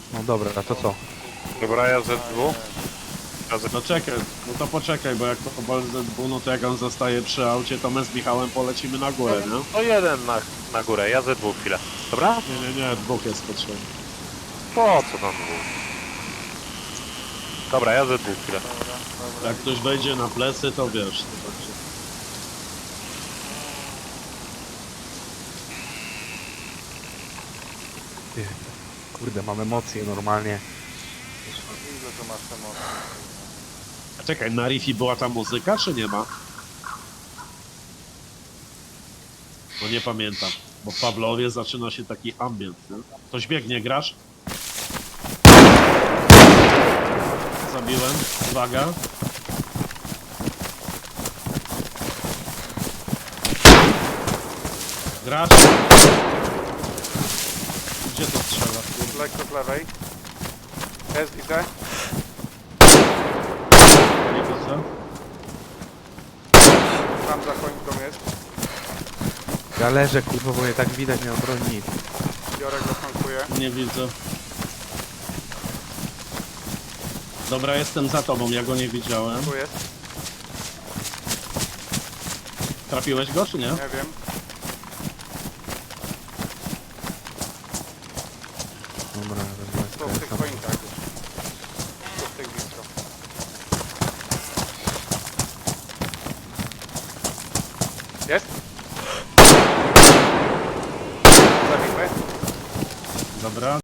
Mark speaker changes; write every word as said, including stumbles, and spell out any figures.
Speaker 1: No dobra, a to co?
Speaker 2: Dobra, ja Z dwa. Ja Z...
Speaker 3: No czekaj, no to poczekaj, bo jak to Bal Z dwa, no to jak on zostaje przy aucie, to my z Michałem polecimy na górę, nie?
Speaker 2: To jeden na, na górę, ja Z dwa chwilę. Dobra?
Speaker 3: Nie, nie, nie, dwóch jest potrzebny.
Speaker 2: Po co tam dwóch? Dobra, ja Z dwa chwilę.
Speaker 4: Dobra, dobra.
Speaker 3: Jak ktoś wejdzie na plecy, to wiesz. To będzie.
Speaker 1: Ty, kurde, mam emocje normalnie.
Speaker 4: Ile tu masz emocji?
Speaker 3: A czekaj, na Riffie była ta muzyka, czy nie ma? No nie pamiętam, bo w Pawlowie zaczyna się taki ambient, nie? Ktoś biegnie, grasz? Zabiłem, uwaga. Gracz? Gdzie to strzela? kurde?
Speaker 4: Lekko z lewej. Jest, widzę.
Speaker 3: Nie widzę.
Speaker 4: Tam za choinką jest.
Speaker 1: Ja leżę, kurwa, bo mnie tak widać, nie mam broni.
Speaker 4: Biorę go, flankuję.
Speaker 3: Nie widzę. Dobra, jestem za tobą, ja go nie widziałem.
Speaker 4: Tu jest.
Speaker 3: Trafiłeś go, czy nie?
Speaker 4: Nie wiem.
Speaker 1: Dobra,
Speaker 4: Tu w tych
Speaker 1: wezmę
Speaker 4: choinkach. Tu w tych blisko. Jest? Zabity.
Speaker 3: Dobra.